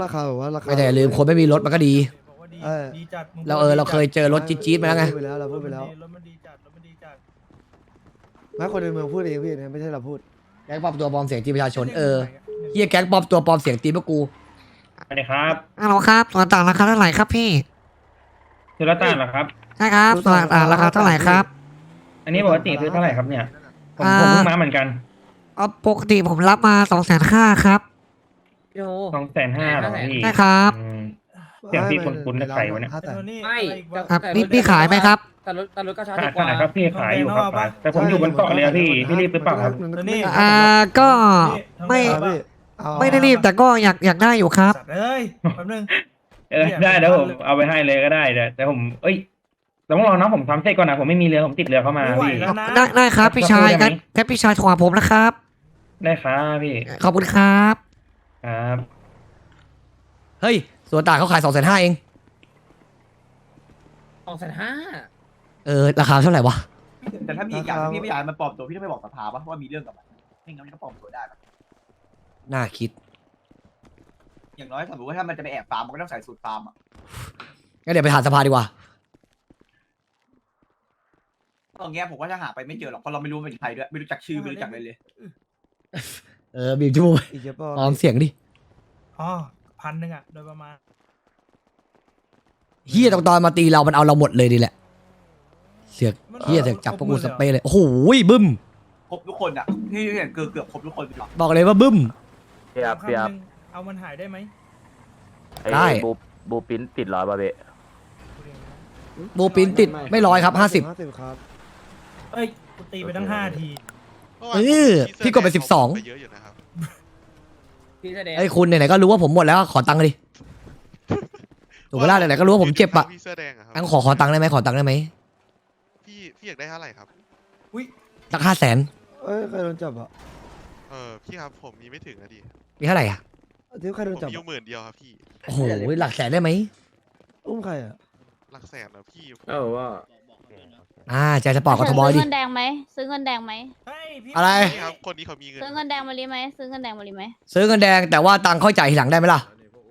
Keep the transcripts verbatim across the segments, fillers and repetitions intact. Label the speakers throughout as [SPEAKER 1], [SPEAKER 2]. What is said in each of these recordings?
[SPEAKER 1] คาแบบว่าราคา
[SPEAKER 2] ไม่แต่อย่าลืมคนไม่มีรถมันก็ดี
[SPEAKER 1] เออ
[SPEAKER 2] เราเออเราเคยเจอรถจี๊ดๆมาแล้วไง
[SPEAKER 1] พูดไปแล้วเราพูดไปแล้ว
[SPEAKER 3] รถมันดีจัดรถมันดีจัด
[SPEAKER 1] ไม่คนในเมืองพูดเองพี่นะไม่ใช่เราพูด
[SPEAKER 2] แก๊งปลอมตัวปลอมเสียงตีประชาชนเออเฮียแก๊งปลอมตัวปลอมเสียงตีพวกกู
[SPEAKER 4] สวัสดีครับ
[SPEAKER 5] ฮัลโหลครับส่วนต่างราคาเท่าไหร่ครับพี่
[SPEAKER 4] ซื้อรถต่างเหรอครับ
[SPEAKER 5] ใช่ครับส่วนต่างราคาเท่าไหร่ครับ
[SPEAKER 4] อันนี้ปกติซื้อเท่าไหร่ครับเนี่ย ผม
[SPEAKER 5] อ่า
[SPEAKER 4] ผมเพิ่งมาเหมือนกัน
[SPEAKER 5] อ๋อปกติผมรับมาสองแสนห้าครับ
[SPEAKER 4] สองแสนห้าหรอพี่
[SPEAKER 5] ใช่ครับ
[SPEAKER 4] อืม เสียงพี่คุ้นๆกับใครวะเนี่ย
[SPEAKER 1] ห้าแสน
[SPEAKER 3] ไม่
[SPEAKER 5] ครับนี่พี่ขายไหมครับ
[SPEAKER 6] แต่รถแต่รถก็ช้า
[SPEAKER 4] ขา
[SPEAKER 6] ดี
[SPEAKER 4] ย
[SPEAKER 6] กว่า
[SPEAKER 4] ขายครับพี่ขายอยู่ครับขายแต่ผมอยู่บนเกาะเลยอะพี่พี่รีบหรือเปล่าครับ
[SPEAKER 5] อ่าก็ไม่
[SPEAKER 1] เอาพี่เอา
[SPEAKER 5] ไม่ได้รีบแต่ก็อยากอยากได้อยู่ครับ
[SPEAKER 3] สัตว์เอ้ยแป๊บนึง
[SPEAKER 4] เออได้เดี๋ยวผมเอาไปให้เลยก็ได้แต่แต่ผมเอ้ยแต่ต้องรอน้องผมทำเสร็จก่อนนะผมไม่มีเรือผมติดเรือเข้ามา
[SPEAKER 3] ไม่ไหว
[SPEAKER 4] พี่
[SPEAKER 3] แล้วนะ
[SPEAKER 5] ได้ได้ครับพี่ชาย
[SPEAKER 4] ได้ไหม
[SPEAKER 5] งั้นงั้นพี่ชายโทรหาผมนะครับ
[SPEAKER 4] ได้ครับพี่
[SPEAKER 5] ขอบคุณครับ
[SPEAKER 4] ครับ
[SPEAKER 2] เฮ้ยส่วนต่างเขาขายสองแสนห้าเอง
[SPEAKER 6] สองแสนห้า
[SPEAKER 2] เออราคาเท่าไหร่วะ
[SPEAKER 7] แต่ถ้ามีอีกอย่างที่พี่ไม่อยากให้มันปลอมตัวพี่ต้องไปบอกสภาปะว่ามีเรื่องกับมันไม่งั้นมันก็ปลอมตัวได้ปะ
[SPEAKER 2] น่าคิด
[SPEAKER 7] อย่างน้อยสมมติว่าถ้ามันจะไปแอบฟาร์มมันก็ต้องใส่สูตรฟาร์มอ่ะ
[SPEAKER 2] งั้นเดี๋ยวไปถามสภาดีกว่า
[SPEAKER 7] ตรงเงี้ยผมว่าจะหาไปไม่เจอหรอกเพราะเราไม่รู้ว่าเป็นใครด้วยไม่รู้จักชื่อไม่รู้จักอะไรเลย
[SPEAKER 2] เออบีบจมูก
[SPEAKER 1] อีกเยอะป่ะ
[SPEAKER 2] ปลอมเสียงดิ
[SPEAKER 3] อ๋อพันหนึ่งอ่ะโดยประมาณ
[SPEAKER 2] เฮียตอนตอนมาตีเรามันเอาเราหมดเลยดีแหละเสือกเฮียเสือกจับพวกกูสเปรย์เลยโอ้โหบึ้ม
[SPEAKER 7] ครบทุกคนอ่ะที่เห็นเกือบเกือบครบทุกคนหรอก
[SPEAKER 2] บอกเลยว่าบึ้ม
[SPEAKER 8] เปียบเปียบ
[SPEAKER 3] คำหนึ่งเอามันหายได้ไหม
[SPEAKER 2] ได้
[SPEAKER 8] ไอ้บูบูปิ้นติดร้อยบาเบะ
[SPEAKER 2] บูปินติดไม่ร้อยครับห้าสิบ
[SPEAKER 1] ห้าสิบครับ
[SPEAKER 3] เอ้ยกูตีไปตั้งห้าที
[SPEAKER 2] เออพี่กดไปสิบสอง
[SPEAKER 9] เยอะอยู่นะครับ
[SPEAKER 6] พี่แสดง
[SPEAKER 2] ไอ้คุณไหนๆก็รู้ว่าผมหมดแล้วขอตังค์ดิถูกเวลาไหนๆก็รู้ว่าผมเจ็บอะ
[SPEAKER 9] พี่เสื้อแดงอะครับ
[SPEAKER 2] งั้นขอขอตังค์ได้ไหมขอตังค์ได้ไหม
[SPEAKER 9] พี่พี่อยากได้เท่าไหร่ครับ
[SPEAKER 2] สักห้าแสน
[SPEAKER 1] เอ้ยใครโดนจับอ่ะ
[SPEAKER 9] เออพี่ครับผมมีไม่ถึงนะดิ
[SPEAKER 2] มีเท่าไหร่อ่ะ
[SPEAKER 1] ที่ใคร
[SPEAKER 9] ผ
[SPEAKER 1] โด
[SPEAKER 9] ม
[SPEAKER 1] นจับ
[SPEAKER 9] มีอยู่
[SPEAKER 1] อะ
[SPEAKER 9] หมื่นเดียวครับพี่
[SPEAKER 2] โอ้โหหลักแสนได้ไหม
[SPEAKER 1] อุ้มใครอ่ะ
[SPEAKER 9] หลักแสนนะพี่
[SPEAKER 8] เออว่า
[SPEAKER 2] อ่าใจสปอร์ตกทมดิ
[SPEAKER 10] ซื้อเงินแดงไหมซื้อเงินแดงไหม
[SPEAKER 3] เฮ้ยพี่
[SPEAKER 2] อะไร
[SPEAKER 9] พี่ครับคนนี้เขามีเงิน
[SPEAKER 10] ซื้อเงินแดงมาลีไหมซื้อเงินแดงมาลีไหม
[SPEAKER 2] ซื้อเงินแดงแต่ว่าตังค์ค่อยจ่ายทีหลังได้ไหมล่ะ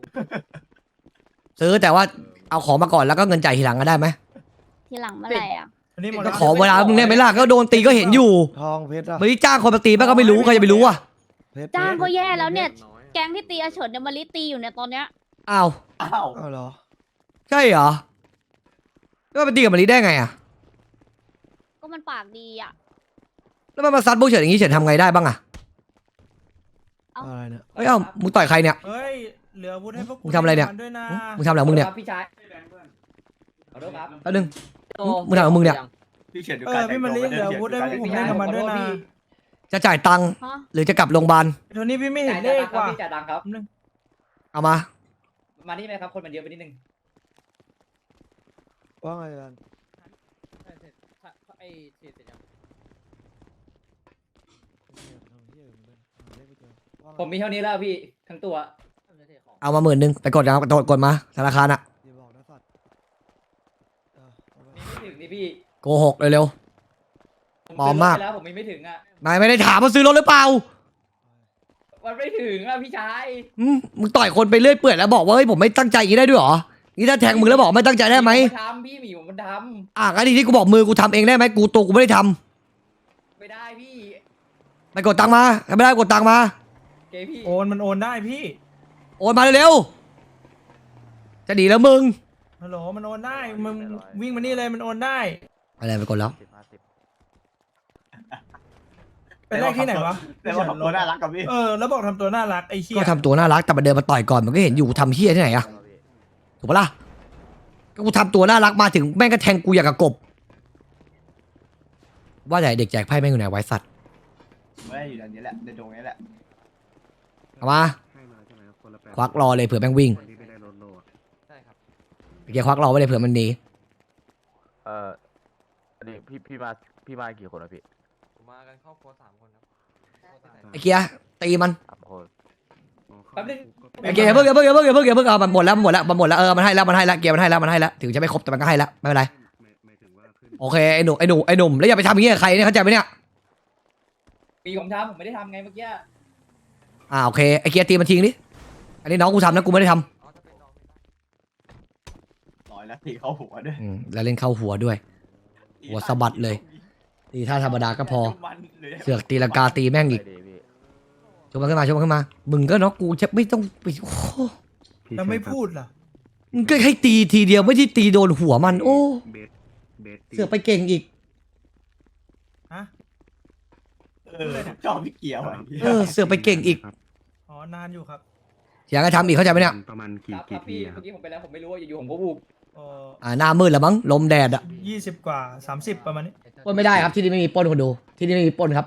[SPEAKER 2] ซื้อแต่ว่าเอาของมาก่อนแล้วก็เงินจ่ายทีหลังก็ได้ไหม
[SPEAKER 10] ทีหลังเมื่อไหร่อ่ะ
[SPEAKER 3] อันนี้หมด
[SPEAKER 2] ก็
[SPEAKER 3] แล้ว
[SPEAKER 2] ขอเวลามึงได้ไหมล่ะก็โดนตีก็เห็นอยู่
[SPEAKER 1] ทองเพชรอ่ะ
[SPEAKER 2] ไม่ได้จ้างคนมาตีแม่งก็ไม่รู้ใครจะไปรู้อ่ะ
[SPEAKER 1] เพชร
[SPEAKER 10] จ้างก็แย่แล้วเนี่ย แก๊งที่ตีอาเฉินเนี่ยมาลีตีอยู่เนี่ยตอนเนี้ย
[SPEAKER 2] อ้าว
[SPEAKER 7] อ้าว
[SPEAKER 1] เอาเหรอ
[SPEAKER 2] ใช่เหรอแล้วมันไปตีกับมารีได้ไงอ่ะ
[SPEAKER 10] ก็มันปากดีอ่ะ
[SPEAKER 2] แล้วมันมาซัดพวกเฉินอย่างนี้เฉินทำไงได้บ้างอ่ะ
[SPEAKER 1] อะไรเนี่ย
[SPEAKER 2] เอ้ยเอ้ามึงต่อยใครเนี่ย
[SPEAKER 3] เฮ้ยเหลืออาวุธให้พวกกู
[SPEAKER 2] มึงทำอะไรเนี่ย
[SPEAKER 3] ด้วยนะ
[SPEAKER 2] มึงทำอะไรของมึงเนี่ย
[SPEAKER 6] ครับพี่ชายขอโทษครับ
[SPEAKER 2] แป๊บนึง มึงถามว่ามึงเนี่ย
[SPEAKER 7] พี่เฉียนดู
[SPEAKER 3] เอ
[SPEAKER 7] การ
[SPEAKER 3] อพี่มันลีเหลืออาวุธให้พวกผมเล่นกับมันด้วยนะ
[SPEAKER 2] จะจ่ายตังค์
[SPEAKER 10] ฮะ
[SPEAKER 2] หรือจะกลับโรงพยาบาล
[SPEAKER 3] โทนี่พี่ไม่เห็
[SPEAKER 6] จ่าน ย
[SPEAKER 3] เล
[SPEAKER 6] ตัง
[SPEAKER 3] ข
[SPEAKER 6] ค์ครับ
[SPEAKER 3] ว่ะ
[SPEAKER 6] พี่จ่ายตังค์ครับ
[SPEAKER 3] แป๊บนึง
[SPEAKER 2] เอามา
[SPEAKER 6] มานี่ไหมครับคนมันเยอะไปนิดนึง
[SPEAKER 1] ว่าไงกัน
[SPEAKER 6] ไอ้เสร็จยังผมมีเท่านี้แล้วพี่ทั้งตัว
[SPEAKER 2] เอามาหมื่นหนึ่งไปกดนะครับกดกดมาธนาคารอ่ะ
[SPEAKER 1] อย่าบอกนะสัตว์เออเอาไป
[SPEAKER 6] มีไม่ถึงนี่พี่
[SPEAKER 2] โกหกเร็ว
[SPEAKER 6] ผม
[SPEAKER 2] ปลอมมาก
[SPEAKER 6] ซื้รถไปแล้วผมมีไม่ถึงอ่ะ
[SPEAKER 2] ๆนายไม่ได้ถามว่าซื้อรถหรือเปล่า
[SPEAKER 6] มันไม่ถึงอ่ะพี่ชาย
[SPEAKER 2] อืมมึงต่อยคนไปเรื่อยเปื่อยแล้วบอกว่าเฮ้ยผมไม่ตั้งใจอย่างนี้ได้ด้วยเหรอ นี่ถ้าแทงมึงแล้วบอกไม่ตั้งใจได้ไหม
[SPEAKER 6] ผทำพี่หมีผมมันท
[SPEAKER 2] อ่ะงั้นทีที่กูบอกมือกูทำเองได้ไหมกูตัวกูไม่ได้ทำ
[SPEAKER 6] ำไม่ได้พี่
[SPEAKER 2] ไปกดตังค์มาถ้าไม่ได้กดตังค์มา
[SPEAKER 6] เกพี่
[SPEAKER 3] โอนมันโอนได้พี่
[SPEAKER 2] โอนมาเร็วๆจะดีแล้วมึง
[SPEAKER 3] ฮัลโหลมันโอนได้มึงวิ่งมานี่เลยมันโอนได้
[SPEAKER 2] อะไรไปกดแล้ว
[SPEAKER 8] สิบห้าสิบ
[SPEAKER 3] เป็นเลขที่ไหนวะ
[SPEAKER 7] แต่ว่าตัวน่ารักกับพี่
[SPEAKER 3] เออแล้วบอกทำตัวน่ารักไอ้เหี้ย
[SPEAKER 2] ก็ทำตัวน่ารักแต่มาเดินมาต่อยก่อนมันก็เห็นอยู่กูทำเฮี้ยที่ไหนอะถูกปะล่ะก็กูทำตัวน่ารักมาถึงแม่งก็แทงกูอย่างกับกบ ว่าแต่เด็กแจกไพ่แม่งอยู่ไหนไว้สัตว์
[SPEAKER 7] ไม่ได้อยู่ในนี้แหละในตรงนี้แหละ
[SPEAKER 2] เอามาควักรอเลยเผื่อแม่งวิ่ง
[SPEAKER 6] ใช่ครับ
[SPEAKER 2] เมื่อกี้ควักรอไว้เลยเผื่อมันหนี
[SPEAKER 8] เอออันนี้พี่พี่มาพี่มากี่คนนะพี่
[SPEAKER 6] ผมมากันครอบครัวสามคนครับ
[SPEAKER 2] ไอ้เกียร์ตีมัน
[SPEAKER 8] สามคน
[SPEAKER 6] แป๊บนึง
[SPEAKER 2] ไอ้เกียร์อย่าเพิ่งอย่าเพิ่งอย่าเพิ่งอย่าเพิ่งอย่าเพิ่งเอามันหมดแล้วมันหมดแล้วมันหมดแล้วเออมันให้แล้วมันให้แล้วเกียร์มันให้แล้วมันให้แล้วถึงจะไม่ครบแต่มันก็ให้แล้วไม่เป็นไรโอเคไอ้หนุ่มไอ้หนุ่มไอ้หนุ่มแล้วอย่าไปทำอย่างนี้กับใครเนี่ยเข้าใจไหมเนี่ย
[SPEAKER 6] ปีผมทำผมไม่ได้ทำไงเมื่อกี้
[SPEAKER 2] อ่าโอเคไอ้เกียร์ตีมันทิ้งดิอันนี้น้องกูทำนะกูไม่ได้ท
[SPEAKER 6] อ๋อจะเป็นน้องไม่ได้
[SPEAKER 7] ร้อยแล้วตีเข้าหัวด้วย
[SPEAKER 2] ำอืมแล้วเล่นเข้าหัวด้วย หัวสะบัดเลย ตีท่าธรรมดาก็พอ เสือกตีลังกาตีแม่งอีก
[SPEAKER 8] ไปดีพี่
[SPEAKER 2] ชกมันขึ้นมาชกมันขึ้นมามึงก็เนาะกูจะไม่ต้องไปโอ้โห
[SPEAKER 3] แล้วไม่พูดล่ะ
[SPEAKER 2] มึงก็ให้ตีทีเดียวไม่ใช่ตีโดนหัวมัน โอ้
[SPEAKER 11] เบสเบสตี
[SPEAKER 2] เสือกไปเก่งอีก
[SPEAKER 3] ฮะ
[SPEAKER 7] เออชอบพี่เกียวอ่ะ
[SPEAKER 2] เออเสือกไปเก่งอีก
[SPEAKER 3] อ๋อนานอยู่ครับ
[SPEAKER 2] อยากให้ทำอีกเข้าใจไหมเนี่ย
[SPEAKER 11] ประมาณ
[SPEAKER 6] ค
[SPEAKER 11] กี่
[SPEAKER 6] รับค
[SPEAKER 11] กี่
[SPEAKER 6] รับ
[SPEAKER 11] ที
[SPEAKER 6] พี่
[SPEAKER 11] อะครั
[SPEAKER 6] เมื่
[SPEAKER 11] บ
[SPEAKER 6] อกี้ผมไปแล้วผมไม่รู้ว่าอยู่ๆผมก็บูบ
[SPEAKER 3] เอ่อ
[SPEAKER 2] อ่าหน้ามืดแล้วมั้งลมแดดอะ
[SPEAKER 3] ยี่สิบกว่าสามสิบประมาณนี้
[SPEAKER 2] ปล้นไม่ได้ครับที่นี่ไม่มีปล้นคนดู ที่นี่ไม่มีปล้นครับ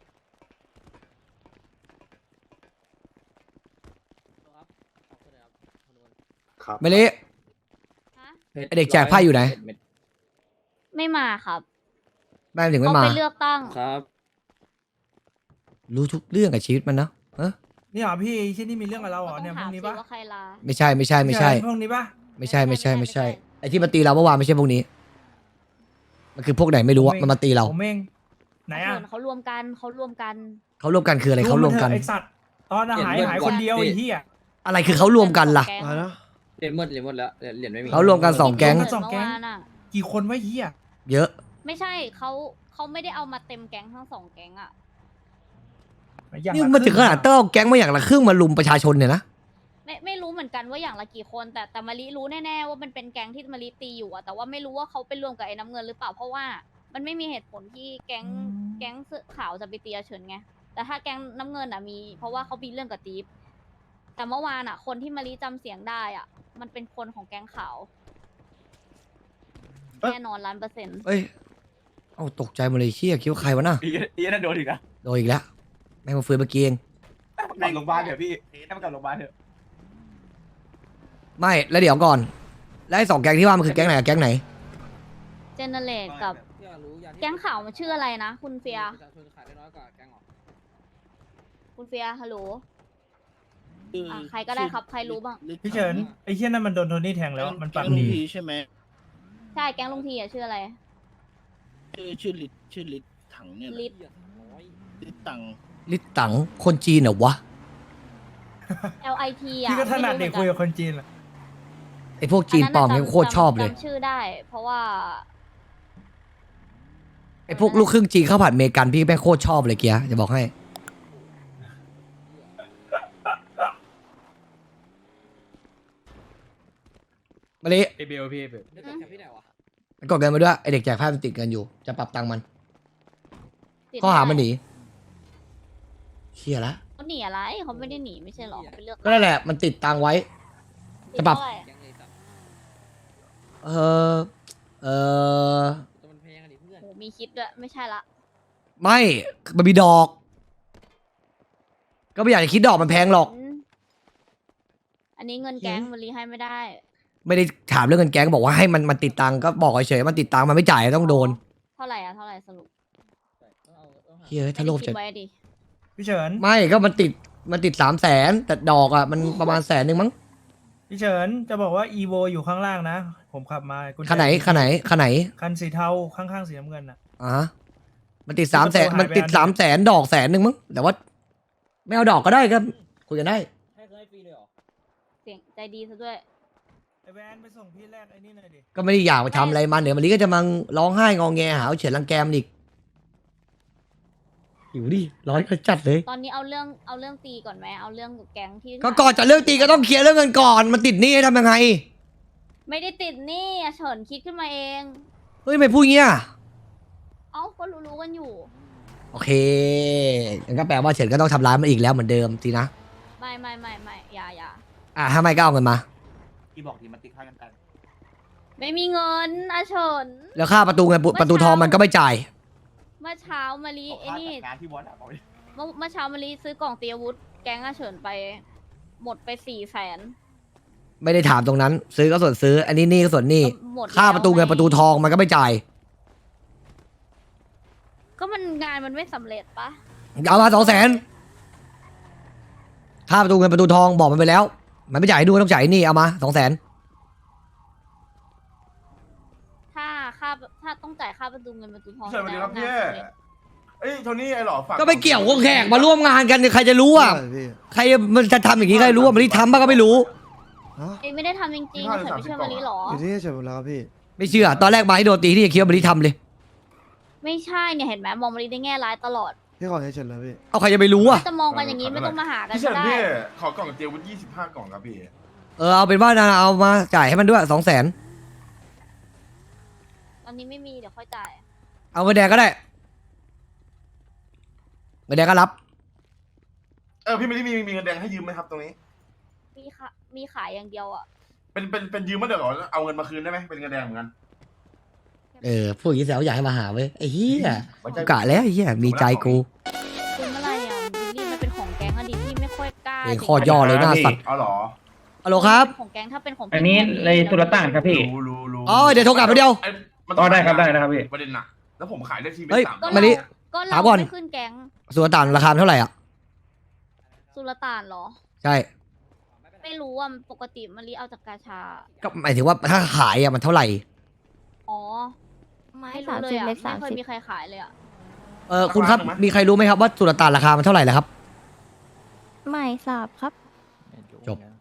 [SPEAKER 11] ครับ
[SPEAKER 2] ไม่เละ
[SPEAKER 10] ฮะ
[SPEAKER 2] ไอ้เด็กแจกไพ่อยู่ไหน
[SPEAKER 10] ไม่มาครับ
[SPEAKER 2] แม่งถึงไม่
[SPEAKER 10] เขา
[SPEAKER 2] มา
[SPEAKER 10] ไปเลือกตั้ง
[SPEAKER 6] ครับ
[SPEAKER 2] รู้ทุกเรื่องกับชีวิตมันนะเออ
[SPEAKER 3] นี่เหรอพี่ที่นี่มีเรื่องกับเราเหรอ
[SPEAKER 10] ก็ต้
[SPEAKER 3] เนี่ย
[SPEAKER 10] อง
[SPEAKER 3] พ
[SPEAKER 10] ถาว ม
[SPEAKER 3] กนี้
[SPEAKER 10] สิ
[SPEAKER 3] ปะ
[SPEAKER 10] ว่าใครลา
[SPEAKER 2] ไม่ใช่ไม่ใช่ไม่ใช่
[SPEAKER 3] พวกนี้ปะ
[SPEAKER 2] ไม่ใช่ไม่ใช่ไม่ใช่ไอ้ที่มาตีเราเมื่อวานไม่ใช่พวกนี้ มันคือพวกไหนไม่รู้อะมันมาตีเรา
[SPEAKER 3] ผมเองไหนอ่ะ
[SPEAKER 10] ส่วนเขารวมกันเขารวมกัน
[SPEAKER 2] เขารวมกันคืออะไรเขารวมกัน
[SPEAKER 3] ไอสัตว์ตอนหายหายคนเดียวไอ้เหี้ย
[SPEAKER 2] อะไรคือเขารวมกันล่ะ
[SPEAKER 10] แก๊ง
[SPEAKER 1] อะไรนะ
[SPEAKER 6] เหรียญหมดเหรียญหมดแล้วเหรียญเหรียญไม่มี
[SPEAKER 2] เขารวมกันสองแก๊ง
[SPEAKER 3] สองแก๊ง
[SPEAKER 10] เมื่วานอะ
[SPEAKER 3] กี่คนวะเหี้ย
[SPEAKER 2] เยอะ
[SPEAKER 10] ไม่ใช่เขาเขาไม่ได้เอามาเต็มแก๊งทั้งสองแก๊งอะ
[SPEAKER 3] อย่าง
[SPEAKER 2] นี่
[SPEAKER 3] ละ
[SPEAKER 2] มันถึงขนาด
[SPEAKER 3] ครึ่
[SPEAKER 2] ต้องเอาแก๊งมาอย่างละครึ่งมาลุมประชาชนเนี่ยนะ
[SPEAKER 10] ไม่ไม่รู้เหมือนกันว่าอย่างละกี่คน แต่แต่มารีรู้แน่ๆว่ามันเป็นแก๊งที่มารีตีอยู่อะแต่ว่าไม่รู้ว่าเขาไปรวมกับไอ้น้ำเงินหรือเปล่าเพราะว่ามันไม่มีเหตุผลที่แก๊งแก๊งเสื้อขาวจะไปตีอาเฉินไงแต่ถ้าแก๊งน้ำเงินอะมี เพราะว่าเขามีเรื่องกับตีฟแต่เมื่อวานอะคนที่มารีจำเสียงได้อะมันเป็นคนของแก๊งขาวแน่นอนล้านเปอร์เซ็นต์
[SPEAKER 2] เอ้ยเอาตกใจหมาเลยเชี่ยคิดว่าใครวะน่ะ
[SPEAKER 7] อีอีนั่นโดนอีกนะ
[SPEAKER 2] โดนอีกแล้วแม่งมาฟื้นเมื่อกี้เอง
[SPEAKER 7] กลับโรงพยาบาลเถอะพี่ให้มันกลับโรงพยาบาลเถอะ
[SPEAKER 2] ไม่แล้วเดี๋ยวก่อน แล้วไอ้สองแก๊งที่ว่ามันคือแก๊งไหนกับแก๊งไหน
[SPEAKER 10] เจเนเรตกับ
[SPEAKER 6] อยากรู้อยากที่
[SPEAKER 10] แก๊งขาวมันชื่ออะไรนะ คุณเฟีย
[SPEAKER 6] ประชาชนขายได้น้อยกว่าแก๊งเหรอ
[SPEAKER 10] คุณเฟียฮัลโหลอ่ะใครก็ได้ครับใครรู้บ้าง
[SPEAKER 3] พี่เฉินไอ้เหี้ยนั่นมันโดนโทนี่แทงแล้วมันปากดี
[SPEAKER 11] ใช่ไหม
[SPEAKER 10] ใช่แก๊งลุงทีอะชื่ออะไร
[SPEAKER 11] ชื่อชื่อลิศชื่อลิศถังเนี่ย
[SPEAKER 10] ลิศ
[SPEAKER 11] ลิศตัง
[SPEAKER 2] ลิตตังคนจีนเหรอวะ
[SPEAKER 10] L I T อ่ะ
[SPEAKER 3] พี่ก็ถนัดเด็กคุยกับคนจีนแหละ
[SPEAKER 2] ไอ้พวกจีนปลอมเนี่ยโคตรชอบเลย
[SPEAKER 10] จำชื่อได้ เพราะว่า
[SPEAKER 2] ไอ้พวกลูกครึ่งจีนข้าวผัดอเมริกันพี่แม่งโคตรชอบเลยเกียร์จะบอกให้ มาลิ
[SPEAKER 6] เอเบลพี่เบลได้จากที่ไหนวะ
[SPEAKER 2] กดเงินมาด้วยไอเด็กแจกผ้ามันติดเงินอยู่ จะปรับตังค์มัน
[SPEAKER 10] ติด
[SPEAKER 2] ข้อหามันห
[SPEAKER 10] ไ
[SPEAKER 2] นีเชี่ยละ
[SPEAKER 10] เขาหนีอะไรเขาไม่ได้หนีไม่ใช่หรอเขาไปเลือก
[SPEAKER 2] ก็นั่นแหละมันติดตังค์ไว้
[SPEAKER 10] ติด
[SPEAKER 2] จะปรับ
[SPEAKER 10] เท่าไห
[SPEAKER 6] แก๊งเลยสัตว์
[SPEAKER 2] เออเออ
[SPEAKER 6] ตัวมันแพงอะดิเพื่อน
[SPEAKER 10] โหมีคิดด้วยไม่ใช่ละ
[SPEAKER 2] ไม่มันมีดอก ก็ไม่อยากจะคิดดอกมันแพงหรอก
[SPEAKER 10] อืมอันนี้เงินแก๊งมันรีให้ไม่ได้
[SPEAKER 2] ไม่ได้ถามเรื่องเงินแก๊งบอกว่าให้มันมันติดตังค์ก็บอกเฉยๆมันติดตังค์มันไม่จ่ายต้องโดน
[SPEAKER 10] เท่าไหร่อะเท่าไหร่สรุป
[SPEAKER 6] ต้องเอาต้องหา
[SPEAKER 2] เฮ้ยถ้าโลภ
[SPEAKER 10] ไม่ได้
[SPEAKER 2] จะ
[SPEAKER 10] คิดไว้ดิ
[SPEAKER 3] พี่เฉิน
[SPEAKER 2] ไม่ก็มันติดมันติดสามแสนแต่ดอกอ่ะมันประมาณแสนหนึ่งมั้ง
[SPEAKER 3] พี่เฉินจะบอกว่าอีโวอยู่ข้างล่างนะ ผมขับมากุญแจ
[SPEAKER 2] คันไหนคันไหนคันไหน
[SPEAKER 3] คันสีเทาข้างๆสีน้ำเงินอ่ะ
[SPEAKER 2] อ่ามันติดสามแสน
[SPEAKER 3] ที่ประตูหายไป
[SPEAKER 2] มันติด
[SPEAKER 3] อันหนึ่ง
[SPEAKER 2] สามแสนดอกแสนหนึ่งมั้งแต่ว่า ไม่เอาดอกก็ได้ก็คุยกันได้
[SPEAKER 6] ให้เคยฟรีเลยเหรอ
[SPEAKER 10] เสียงใจดีซะด้วย
[SPEAKER 3] ไอแวนไปส่งพี่แรกไอ้นี่หน่อยดิ
[SPEAKER 2] ก็ไม่ได้อยากไปทำอะไรมันเดี๋ยวมันนี้ก็จะมาร้องไห้งอแงหาว่าเฉียดรังแกมนอีกหิวดิร้อนก็จัดเลย
[SPEAKER 10] ตอนนี้เอาเรื่องเอาเรื่องตีก่อนไหมเอาเรื่องแก๊งที่
[SPEAKER 2] ก็ก่อนจะเลิกตีก็ต้องเคลียร์เรื่องเงินก่อนมันติดหนี้ให้ทำยังไง
[SPEAKER 10] ไม่ได้ติดหนี่อะเฉินคิดขึ้นมาเอง
[SPEAKER 2] เฮ้ยไม่พูดเงี้ย
[SPEAKER 10] เอ้าก็รู้ๆกันอยู่
[SPEAKER 2] โอเคงั้นก็แปลว่าเฉินก็ต้องทำร้ายมันอีกแล้วเหมือนเดิมสินะ
[SPEAKER 10] ไม่ไม่ไม่ไม่อย่าอย่า
[SPEAKER 2] อ่ะถ้าไม่ก็เอาเงินมา
[SPEAKER 7] พี่บอกทีมันติดค่ากันกัน
[SPEAKER 10] ไม่มีเงินอาเฉิน
[SPEAKER 2] แล้วค่าประตูเงินประตูทองมันก็ไม่จ่าย
[SPEAKER 10] เมื่อเช้ามารี
[SPEAKER 7] ขอ
[SPEAKER 10] ไอ้
[SPEAKER 7] ค่า
[SPEAKER 10] นี่
[SPEAKER 7] จัดงานที่วัดอะบอกเลย
[SPEAKER 10] เมื่อเมื่อเช้ามารีซื้อกล่องเตรียมอาวุธแก๊งอาเฉินไป หมดไปสี่แสน
[SPEAKER 2] ไม่ได้ถามตรงนั้น ซื้อก็ส่วนซื้อ อันนี้หนี่ก็ส่วนหนี่
[SPEAKER 10] หมด
[SPEAKER 2] ค่าประตูเงินประตูทองมันก็ไม่จ่าย
[SPEAKER 10] ก็มันงานมันไม่สำเร็จปะ
[SPEAKER 2] เอามาสองแสนค่าประตูเงินประตูทองบอกมันไปแล้ว มันไม่จ่ายให้ดูต้องจ่ายให้หนี่เอามาสองแสน
[SPEAKER 10] ถ้าค่าถ้าต้องจ่ายค่าประตูเงินประตูทอง
[SPEAKER 7] สวัสดีครับ
[SPEAKER 10] แสด
[SPEAKER 7] พี่
[SPEAKER 10] งว่า
[SPEAKER 12] เอ้ยโทนี่ไอ้หล่อฝาก
[SPEAKER 2] ก็ไม่เกี่ยวกับแขกมาร่วมงานกันใครจะรู้อ่ะ
[SPEAKER 1] ใช่พี่
[SPEAKER 2] ใครมันจะทำอย่างนี้ใครรู้อ่ะมันที่ทำบ้างก็ไม่รู้
[SPEAKER 1] ฮะ
[SPEAKER 10] เอ้ยไม่ได้ทำจริงๆเฉินไม่เชื่อมารีหรอ
[SPEAKER 1] อยู่ที่เฉยหมดแล้วครับพี่
[SPEAKER 2] ไม่เชื่อตอนแรกมาให้โดนตีที่ยังคิดว่ามันที่ทำเลย
[SPEAKER 10] ไม่ใช่เนี่ยเห็นไหมมองมารีได้แง่ร้ายตลอด
[SPEAKER 1] พี่ขอเฉยๆแล้วพี่
[SPEAKER 2] เอาใครจะไปรู้อ่ะ
[SPEAKER 10] จะมองกันอย่างนี้ไม่ต้องมาหากัน
[SPEAKER 12] พี่เฉิ
[SPEAKER 10] ก็
[SPEAKER 12] น
[SPEAKER 10] ได้
[SPEAKER 12] พี่ขอกล่องเจียววุ้นยี่สิบห้ากล่องครับพี่
[SPEAKER 2] เออเอาเป็นว่านะเอามาจ่ายให้มันด้วยสองแสน
[SPEAKER 10] ตอนนี้ไม่มีเดี๋ยวค่อยจ่าย
[SPEAKER 2] เอาเงินแดงก็ได้เงินแดงก็รับ
[SPEAKER 12] เออพี่ไม่ได้มีมีเงินแดงให้ยืมไหมครับตรงนี้
[SPEAKER 10] มีค่ะมีขายอย่างเดียวอ่ะ
[SPEAKER 12] เป็นเป็นเป็นยืมมาเดี๋ยวก่อนเอาเงินมาคืนได้ไหมเป็นเงินแดงเหมือนกัน
[SPEAKER 2] เออพวกนี้แซวอยากให้มาหาเว้ยไอ้เหี้ย
[SPEAKER 12] ไว้ใจ
[SPEAKER 2] กะแล้วไอ้เหี้ยมีใจกู
[SPEAKER 10] คือเมื่อไหรอ่ะบิลลี่มันเป็นของแก๊งอะดิพี่ไม่ค่อยกล้า
[SPEAKER 2] เองข้อย่อเลยหน้าสัตว์
[SPEAKER 12] เอาเหรอ
[SPEAKER 2] ฮัลโหลครับ
[SPEAKER 10] ของแก๊งถ้าเป็นของ
[SPEAKER 4] อันนี้เลยสุลต่านครับพี่
[SPEAKER 12] รู้รู้รู้
[SPEAKER 2] อ๋อเดี๋ยวโทรกลับมาเดียว
[SPEAKER 12] ไอ้มัน
[SPEAKER 4] อ๋อได้ครับได้นะครับพี่
[SPEAKER 12] ประเด็นหนักแล้วผมขายได้ทีเป็น
[SPEAKER 2] เฮ้ย
[SPEAKER 12] สาม
[SPEAKER 10] ก็
[SPEAKER 2] มา
[SPEAKER 10] เรา
[SPEAKER 2] ดิ
[SPEAKER 10] ก็
[SPEAKER 2] ถา
[SPEAKER 10] เรา
[SPEAKER 2] มก่อน
[SPEAKER 10] ไม่ขึ้นแก๊ง
[SPEAKER 2] ส่วนต่างราคามันเท่าไหร่อ่ะ
[SPEAKER 10] สุลต่านเหรอ
[SPEAKER 2] ใช่
[SPEAKER 10] ไม่รู้อ่ะปกติมารีเอาจากกาชา
[SPEAKER 2] ก็หมายถึงว่าถ้าขายอ่ะมันเท่าไหร่
[SPEAKER 10] อ๋อไม่รู้เลยอ่ะไม่เคยมีใครขายเลยอ่ะ
[SPEAKER 2] เออคุณครับมีใครรู้ไหมครับว่าสุลต่านราคามันเท่าไหร่แล้วครับ
[SPEAKER 10] ไม่ทราบครับ
[SPEAKER 2] จบ